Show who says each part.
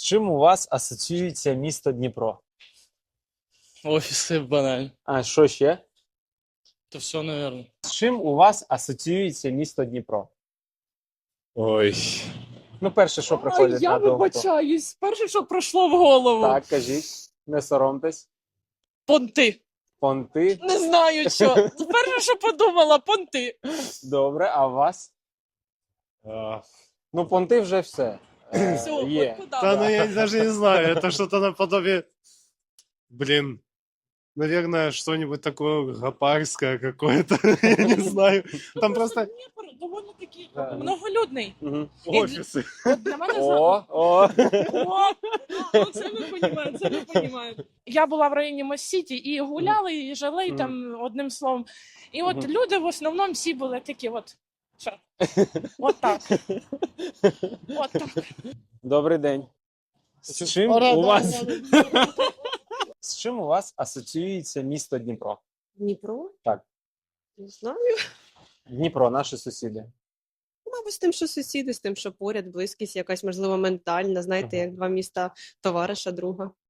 Speaker 1: чим у вас асоціюється місто Дніпро?
Speaker 2: Офисы банально.
Speaker 1: А що ще?
Speaker 2: Это все, наверное.
Speaker 1: З чим у вас асоціюється місто Дніпро?
Speaker 3: Ой,
Speaker 1: Ну, перше, що приходить
Speaker 4: Я
Speaker 1: на думку.
Speaker 4: вибачаюсь. Перше, що пройшло в голову.
Speaker 1: Так, кажіть, не соромтесь.
Speaker 4: Понти.
Speaker 1: Понти.
Speaker 4: Не знаю що. Перше, що подумала, понти.
Speaker 1: Добре, а у вас?
Speaker 3: а,
Speaker 1: Ну, понти вже все.
Speaker 4: Все,
Speaker 1: Є.
Speaker 4: от куди?
Speaker 3: да, ну я даже не знаю, это что-то наподобие, блин, наверное, что-нибудь такое гопарское какое-то, я не знаю. Там просто
Speaker 4: Дніпро доволі таки
Speaker 1: Да.
Speaker 4: многолюдний.
Speaker 1: Мгм.
Speaker 3: офисы.
Speaker 4: От для мене
Speaker 1: О.
Speaker 4: О, це ми розуміємо, це ми розуміємо. Я була в районі Моссіті і гуляли, і жили і там одним словом. І от
Speaker 1: Мгм.
Speaker 4: люди в основному всі були такі от. Що? От так. От так.
Speaker 1: Добрий день. З чим у вас асоціюється місто Дніпро?
Speaker 5: Дніпро?
Speaker 1: Так.
Speaker 5: Не знаю.
Speaker 1: Дніпро, наші сусіди.
Speaker 5: Мабуть, з тим, що сусіди, з тим, що поряд, близькість, якась, можливо, ментальна, знаєте,
Speaker 1: Ага.
Speaker 5: як два міста товариша друга.